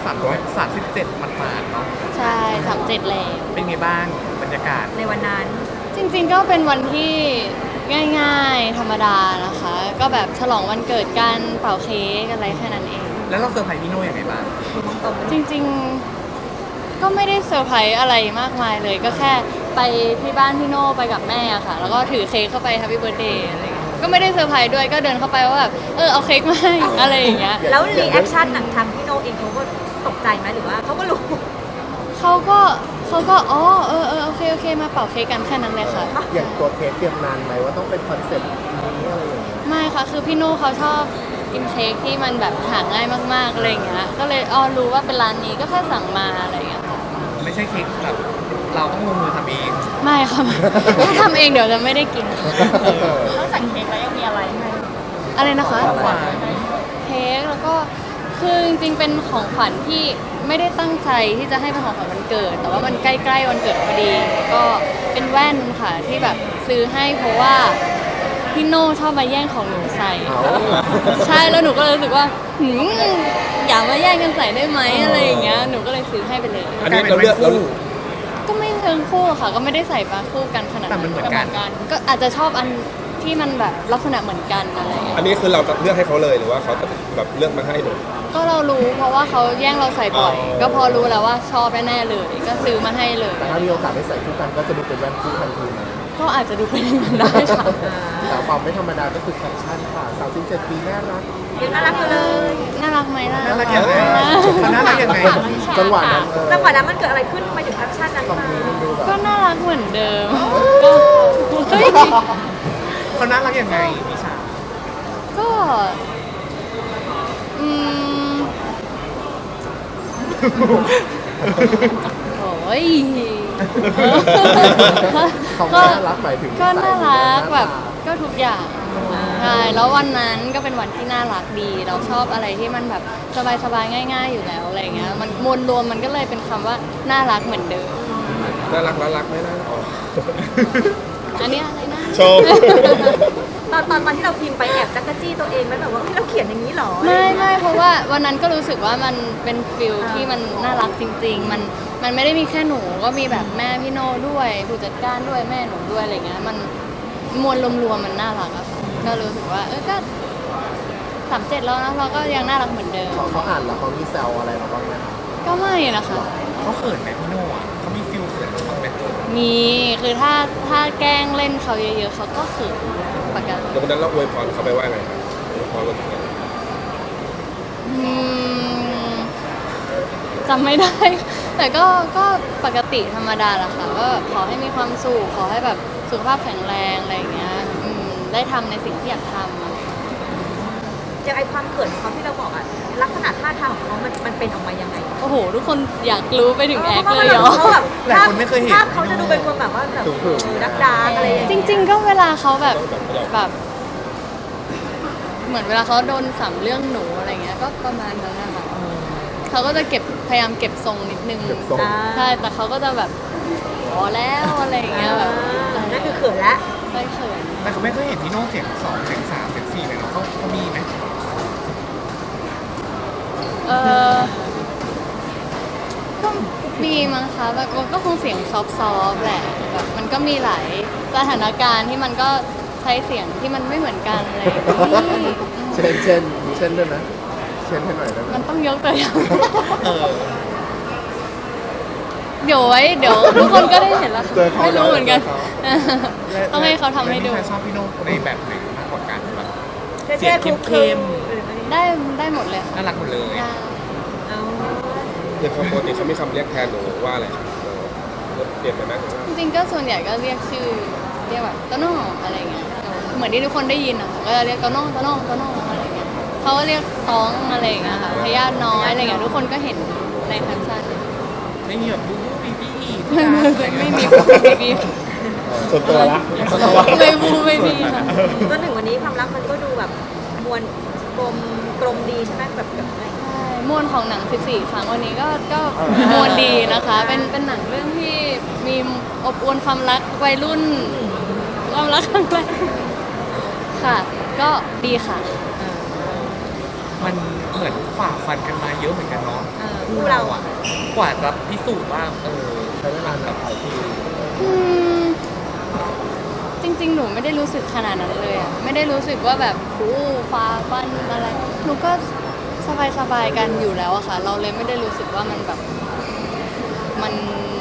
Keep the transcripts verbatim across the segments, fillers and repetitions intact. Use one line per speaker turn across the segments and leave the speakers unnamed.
ามร้อยสามสิบเจ็ดมันมาเนาะ
ใช่สามเจ็ดแล้ว
เป็นไงบ้างบรรยากาศ
ในวันนั้น
จริงๆก็เป็นวันที่ง่ายๆธรรมดานะคะก็แบบฉลองวันเกิดกันเป่าเค้กอะไรแค่นั้นเอง
แล้วเราเซอร์ไพรส์พี่โน่ยังไงบ้าง
จริงๆก็ไม่ได้เซอร์ไพรส์อะไรมากมายเลยก็แค่ไปที่บ้านพี่โน่ไปกับแม่ค่ะแล้วก็ถือเค้กเข้าไป Happy Birthday อะไรเงี้ยก็ไม่ได้เซอร์ไพรส์ด้วยก็เดินเข้าไปว่าแบบเออเอาเค้กมาให้อะไรอย่างเงี้ย
แล้วรีแอคชั่นหนังทางพี่โน่เองเขาก็ตกใจไหมหรือว่าเขาก็รู้
เขาก็เขาก็อ๋อเออเออโอเคโอเคมาเป่าเค้กกันแค่นั้นเลยค่ะ
อย่างตัวเค้กเตรียมนานไหมว่าต้องเป็นคอนเซ็ปต์นี้อะไรอย่างเงี้ย
ไม่ค่ะคือพี่โน่เขาชอบกินเค้กที่มันแบบหาง่ายมากๆอะไรอย่างเงี้ยก็เลยอ๋อรู้ว่าเป็นร้านนี้ก็แค่สั่งมาอะไรอย่างเงี้ย
ไม่ใช่เค้กแบบเราต้องลงมือทำเอง
ไม่ค่ะถ้าทำเองเดี๋ยวจะไม่ได้กิน
นอกจากเค้กแล้วยังมีอะไรไหม
อะไรนะคะ
ของขวัญ
เค้กแล้วก็คือจริงๆเป็นของขวัญที่ไม่ได้ตั้งใจที่จะให้เป็นของขวัญวันเกิดแต่ว่ามันใกล้ๆวันเกิดพอดีก็เป็นแว่นค่ะที่แบบซื้อให้เพราะว่าพี่โน่ชอบมาแย่งของหนูใส่ใช่แล้วหนูก็เลยรู้สึกว่าหืมอย่ามาแย่งกันใส่ได้ไหมอะไรอย่างเงี้ยหนูก็เลยซื้อให้ไปเลย
อันนี้เราเลือกเรา
ก็ไม่เชิงคู่ค่ะก็ไม่ได้ใส่มาคู่กันขนาด
นั้นแต่มันเหมือนกัน
ก็อาจจะชอบอันที่มันแบบลักษณะเหมือนกันอะไรอย่างเงี้ย
อันนี้คือเราเลือกให้เขาเลยหรือว่าเขาแบบเลือกมาให้หนู
ก็เรารู้เพราะว่าเขาแย่งเราใส่บ่อยก็พอรู้แล้วว่าชอบแน่ๆเลยก็ซื้อมาให้เลย
แต่ถ้ามีโอกาสได้ใส่คู่กันก็จะดูเป็นแว่นคู่ทันทีนะ
ก็อาจจะดูเป็นอย่างนั้นได้ค่ะ
แต่ความไม่ธรรมดาก็คือแคปชั่นค่ะสาวสิบเจ็ดปีน่ารัก
ยังน่ารักอยู่เลย
น่ารักไหมล่ะ
น่ารักยังไงน่ารักยังไง
จังหวะนั้น
จังหวะนั้นมันเกิดอะไรขึ้นทำไมถึงแคปชั่นนั้นมา
ก็น่ารักเหมือนเดิม
เขาน่ารักยังไงนิชา
ก็อืมโอ้ย
ก็น่ารักหมายถึง
ก็น่ารักแบบก็ทุกอย่างใช่แล้ววันนั้นก็เป็นวันที่น่ารักดีเราชอบอะไรที่มันแบบสบายๆง่ายๆอยู่แล้วอะไรเงี้ยมันมวลรวมมันก็เลยเป็นคำว่าน่ารักเหมือนเดิม
น่ารักน่ารักไม่น่าอ๋อ
อันนี้อะไรนะ
ชอบ
ตอนตอนตอนที่เราพิมพ์ไปแอบจักรจี้ตัวเองไหมแบบว่าเราเขียนอย่างนี้หรอ
ไม่ไม่เพราะว่าวันนั้นก็รู้สึกว่ามันเป็นฟิลที่มันน่ารักจริงๆมันมันไม่ได้มีแค่หนูก็มีแบบแม่พี่โน่ด้วยผู้จัดการด้วยแม่หนูด้วยอะไรเงี้ยมันมวลรวมๆมันน่ารักอะค่ะก็รู้สึกว่าเออก็สามเจ็ดแล้วนะเราก็ยังน่ารักเหมือนเดิม
เขาอ่านแล้วเขามีแซวอะไรเราบ้างไหม
ก็ไม่นะคะ
เขาเขินไหมพี่โน่อะเขามีฟิลเขินบ้างไหม
มีคือถ้าถ้าแกล้งเล่นเขาเยอะๆเขาก็เขินปกติ
แล้ววันนั้นเราอวยพรเขาไปว่าไงครับอวยพรวันเกิด
จำไม่ได้แต่ก็ก็ปกติธรรมดาแหละค่ะก็ขอให้มีความสุขขอให้แบบสุขภาพแข็งแรงอะไรอย่างเงี้ยได้ทำในสิ่งที่อยากทำ
อย่างไอความเขินของเขาที่เราบอกอะลักษณะท่าทางของเขามันมันเป็นออกมายังไง
โอ้โหทุกคนอยากรู้ไปถึงแอคเลยเหรอ
หลายคนไม่เคยเห็น
ภาพเขาจะดูเป็นคนแบบว่าแบบดักดาอะไรอย่างเงี้ย
จริงๆก็เวลาเขาแบบแบบเหมือนเวลาเขาโดนสัมเรื่องหนูอะไรเงี้ยก็ประมาณนั้นนะคะเขาก็จะเก็บพยายามเก็บทรงนิดนึงใช่แต่เขาก็จะแบบพอแล้วอะไรอย่างเงี้ยแบบ
นั่นคือเขินแล้ว
ไม่เขิน
แต่เขาไม่เคยเห็นพี่โน่เสียงสองเสียงสามเสียงสี่เลยเนาะเขาเขามีไหม
เออก็มีมั้งคะแบบก็คงเสียงซอฟๆแหละแบบมันก็มีหลายสถานการณ์ที่มันก็ใช้เสียงที่มันไม่เหมือนกันเลย
เช่นเช่นเช่นด้วยนะเช่นให้หน่อยได้ไหม
มันต้องยกตัวอย่างเดี๋ยวไว้เดี๋ยวทุกคนก็ได้เห็นแล้วไม่รู้เหมือนกันต้องให้เขาทำให้ดู
ชอบพี่โน่ในแบบไหนมากกว่ากันแบบ
เสียงเข้ม
ๆได้ได้หมดเลย
น่ารักหมดเลย
อย่างปกติเขามีคำเรียกแทนหนูว่าอะไรเปลี่ยนไปไหม
จริงๆก็ส่วนใหญ่ก็เรียกชื่อเรียกแบบโตโน่อะไรเงี้ยเหมือนที่ทุกคนได้ยินอะก็จะเรียกโตโน่โตโน่โตโน่อะไรเงี้ยเขาก็เรียกท้องอะไรเงี้ยค่ะพยาธิน้อยอะไรเงี้ยทุกคนก็เห็นในแคปชั่น
ไม่มีแบบบูบูบีบี
ไม่มีบูบูบีบี
ส่วนตัวละ
ไม่บูไม่มีค่ะ
จนถึงวันนี้ความรักมันก็ดูแบบมวลกลมกลมดีใช่ไหมแบบแบบอะไร
ใช่มวลของหนังสิบสี่ครั้งวันนี้ก็ก็มวลดีนะคะเป็นเป็นหนังเรื่องที่มีอบอวลความรักวัยรุ่นความรักครั้งแรกค่ะก็ดีค่ะ
มันเหมือนฝ่าฟันกันมาเยอะเหมือนกันเนาะ
คู่เราอ่ะ
กว่าจะพิสูจน์ว่าเออ
ใช้เวลานานหลายปี
อืมจริงๆ หนูไม่ได้รู้สึกขนาดนั้นเลยอะไม่ได้รู้สึกว่าแบบอู้ฟ้าฟันอะไร หนูก็สบายๆกันอยู่แล้วอะค่ะ เราเลยไม่ได้รู้สึกว่ามันแบบ มัน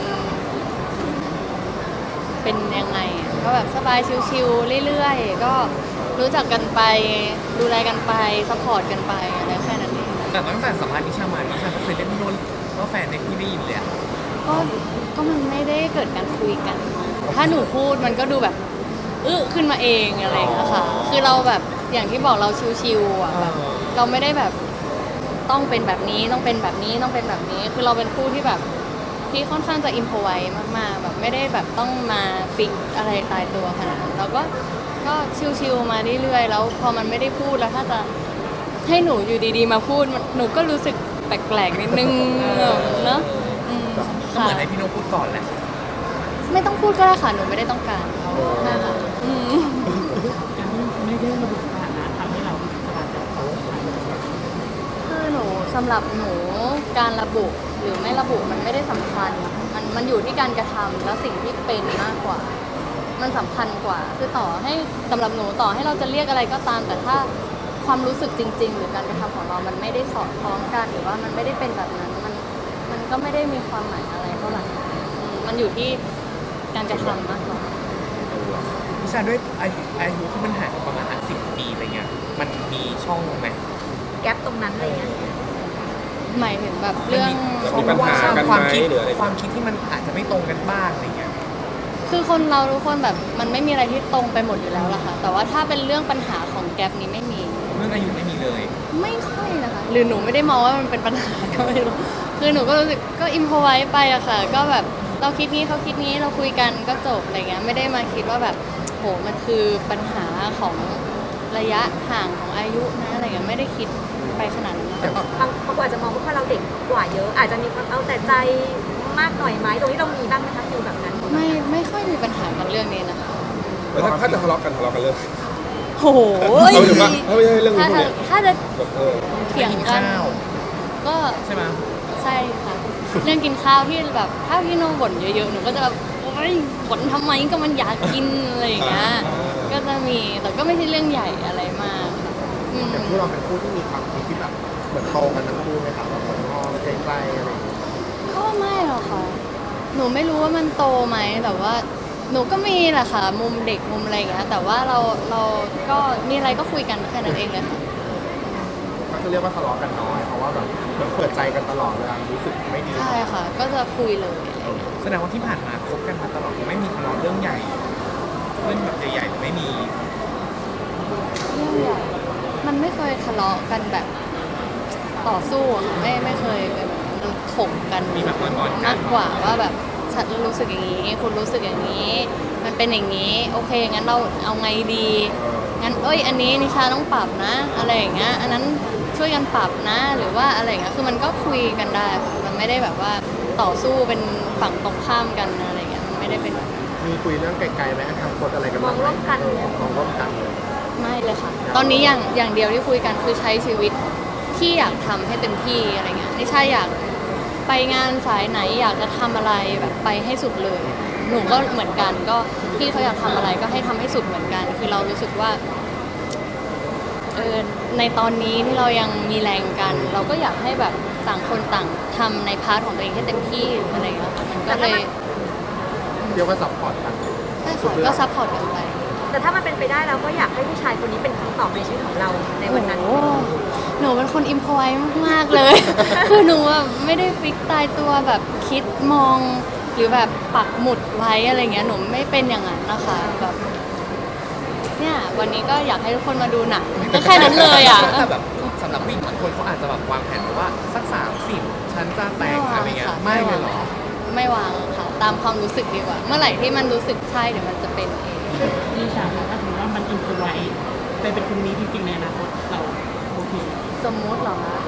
เป็นยังไงอะก็แบบสบายชิวๆเรื่อยๆ ก็รู้จักกันไป ดูแลกันไปซัพพอร์ตกันไปอะไรแค่นั้นเอง
แต่ตั้งแต่สัมภาษณ์นิชามานิชาก็เคยเรียกพี่โน้นว่าแฟนในที่ได้ยินเลยอะ
ก็ก็มันไม่ได้เกิดการคุยกัน ถ้าหนูพูดมันก็ดูแบบอึ้ขึ้นมาเองอะไรอย่างเงี้ยค่ะ คือเราแบบอย่างที่บอกเราชิวๆอ่ะแบบเราไม่ได้แบบต้องเป็นแบบนี้ต้องเป็นแบบนี้ต้องเป็นแบบนี้ คือเราเป็นคู่ที่แบบที่ค่อนข้างจะอิมพอไว้มากๆแบบไม่ได้แบบต้องมาฟิกอะไรตายตัวขนาดนั้นเราก็ก็ชิวๆมาเรื่อยๆแล้วพอมันไม่ได้พูดแล้วถ้าจะให้หนูอยู่ดีๆมาพูดมันหนูก็รู้สึกแปลกๆนิดนึงเนอะอืม
ก็
ค่ะ
เหมือนให้พี่โน้นพูดก่อนแหละ
ไม่ต้องพูดก็ได้ค่ะ หนูไม่ได้ต้องการนะคะอืม
ไม่ได้ระบุสถานะทำให้เรารู้สึกสบายใจกับความสัมพันธ์
คือหนูสำหรับหนูการระบุหรือไม่ระบุมันไม่ได้สำคัญ มันมันอยู่ที่การกระทำและสิ่งที่เป็นมากกว่า มันสำคัญกว่า คือต่อให้สำหรับหนูต่อให้เราจะเรียกอะไรก็ตาม แต่ถ้าความรู้สึกจริง ๆ หรือการกระทำของเรา มันไม่ได้สอดคล้องกันหรือว่ามันไม่ได้เป็นแบบนั้น มันมันก็ไม่ได้มีความหมายอะไรเท่าไหร่อืมมันอยู่ที่การกระทำมากกว่า
นิชาด้วยอายุอายุที่มันห่างกันประมาณสิบปีอะไรเงี้ยมันมีช่องไหม
แก๊ปตรงนั้นอะไรเงี้ย
หมายถึงแบบเรื่อง
มีปัญหากันไหม
ความคิด
หรืออะไร
ความคิดที่มันอาจจะไม่ตรงกันบ้างอะไรเงี้ย
คือคนเราทุกคนแบบมันไม่มีอะไรที่ตรงไปหมดอยู่แล้วล่ะค่ะ แต่ว่าถ้าเป็นเรื่องปัญหาของแกลบนี้ไม่มี
เรื่องอายุไม่มีเลย
ไม่ค่อยนะคะ หรือหนูไม่ได้มองว่ามันเป็นปัญหาก็ไม่รู้ คือหนูก็รู้สึกก็อิมพอไว้ไปอะค่ะ ก็แบบเราคิดนี้เขาคิดนี้เราคุยกันก็จบอะไรเงี้ย ไม่ได้มาคิดว่าแบบโหมันคือปัญหาของระยะห่างของอายุนะอะไรเงี้ยไม่ได้คิดไปขนาดนั้นนะคะ
บางบางคนอาจจะมองว่าเราเด็กกว่าเยอะ อาจจะมีความเอาแต่ใจมากหน่อยไหมตรงนี้เรามีบ้างไหมคะฟิลแบบนั้น
ไม่ไม่ค่อยมีปัญหากันเรื่องนี้นะคะ
แล้วถ้าถ้าจะทะเลาะกันทะเลาะกันเรื่อง
โอ้โห
เอาถึงว่าถ้าไม่ใช่เรื่อง
ถ้า
นี้เนี่ย
ถ้าจะ
แบบเออ
เถียง
กิน
กัน
ข้าว
ก็
ใช่ไหม
ใช่ค่ะ เรื่องกินข้าวที่แบบถ้าพี่โน้บ่นเยอะๆหนูก็จะแบบโอ๊ยบ่นทำไมก็มันอยากกินอะไรอย่างเงี้ยก็จะมีแต่ก็ไม่ใช่เรื่องใหญ่อะไรมากค่ะอืม
แต่คู่เราเป็นคู่ที่มีความคิดที่แบบเหมือนโตกันทั้งคู่ไหมครับแบบเหมือนมองใกล้ๆอะไรอย่างเงี้ย
ก็ไม่หรอกค่ะ หนูไม่รู้ว่ามันโตไหมแต่ว่า หนูก็มีแหละค่ะ มุมเด็กมุมอะไรอย่างเงี้ยแต่ว่าเราเราก็มีอะไรก็คุยกันแค่นั้นเองเลยค่ะ
ก็คือเรียกว่าทะเลาะกันน้อยเพราะว่าแบบเหมือนเปิดใจกันตลอดเวลารู้สึกไม่ดี
ใช่ค่ะ ก็จะคุยเลยอะไรอย่างเงี้ย
แสดงว่าที่ผ่านมาคบกันมาตลอดไม่มีทะเลาะเรื่องใหญ่ เรื่องแบบใหญ่ๆไม่มี
เรื่องใหญ่มันไม่เคยทะเลาะกันแบบต่อสู้อะค่ะไม่ไม่เคยเป็นมันถกกัน
มีแบบงอนๆกัน
มากกว่าว่าแบบฉันรู้สึกอย่างนี้ คุณรู้สึกอย่างนี้ มันเป็นอย่างนี้ โอเคงั้นเราเอาไงดีงั้นเอ้ยอันนี้นิชาต้องปรับนะ อะไรอย่างเงี้ยอันนั้นช่วยกันปรับนะ หรือว่าอะไรอย่างเงี้ยคือมันก็คุยกันได้ค่ะมันไม่ได้แบบว่าต่อสู้เป็นฝั่งตรงข้ามกันอะไรอย่างเงี้ยมันไม่ได้เป็นแบบนั้น
มีคุยเรื่องไกลๆไหมทำคนอะไรกัน
มองร่วมกัน
เออมองร่วมกันเลย
ไม่เลยค่ะ ตอนนี้อย่างอย่างเดียวที่คุยกันคือใช้ชีวิตที่อยากทำให้เต็มที่อะไรเงี้ยนิชาอยากไปงานสายไหนอยากจะทำอะไรแบบไปให้สุดเลย หนูก็เหมือนกันก็พี่เขาอยากทำอะไรก็ให้ทำให้สุดเหมือนกัน คือเรารู้สึกว่าเออในตอนนี้ที่เรายังมีแรงกัน เราก็อยากให้แบบต่างคนต่างทำในพาร์ทของตัวเองให้เต็มที่อะไรเงี้ยค่ะมันก็เลย
เรียกว่าซัพพอร์ตกัน
ใช่ค่ะก็ซัพพอร์ตกันไป
แต่ถ้ามันเป็นไปได้เราก็อยากให้ผู้ชายคนนี้เป็นคำตอบในชีวิตของเราในวันนั้น
โอ้โหหนูเป็นคนอิมพอไว้มาก ๆ เลย คือหนูแบบไม่ได้ฟิกตายตัวแบบคิดมองหรือแบบปักหมุดไว้อะไรเงี้ย หนูไม่เป็นอย่างนั้นนะคะแบบเนี่ยวันนี้ก็อยากให้ทุกคนมาดูหนังก็แค่นั้นเลยอ่ะ
แต่แบบสำหรับผู้หญิงบางคนเขาอาจจะแบบวางแผนไว้ว่าสักสามสิบฉันจะแต่งอะไรเงี้ยไม่เลยเหรอ
ไม่วางค่ะ ตามความรู้สึกดีกว่า เมื่อไหร่ที่มันรู้สึกใช่เดี๋ยวมันจะเป็นเอง
นิชาคะถ้าสมมติว่ามันอินพอไว้เป็นเป็นคนนี้จริงๆในอนาคตเราโอเค
สมมุติเหรอคะ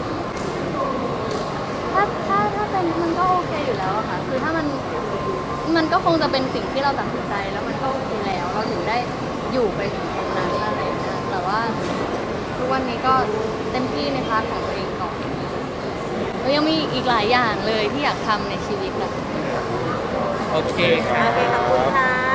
ถ้าถ้าถ้าเป็นมันก็โอเคอยู่แล้วอะค่ะ คือถ้ามันมันก็คงจะเป็นสิ่งที่เราตัดสินใจแล้วมันก็โอเคแล้ว เราถึงได้อยู่ไปถึงตรงนั้นอะไรอย่างเงี้ยแต่ว่าทุกวันนี้ก็เต็มที่ในพาร์ทของตัวเองก่อน ก็ยังมีอีกหลายอย่างเลยที่อยากทำในชีวิตแบบ
โอเคค่ะ
โอเคขอบคุณค่ะ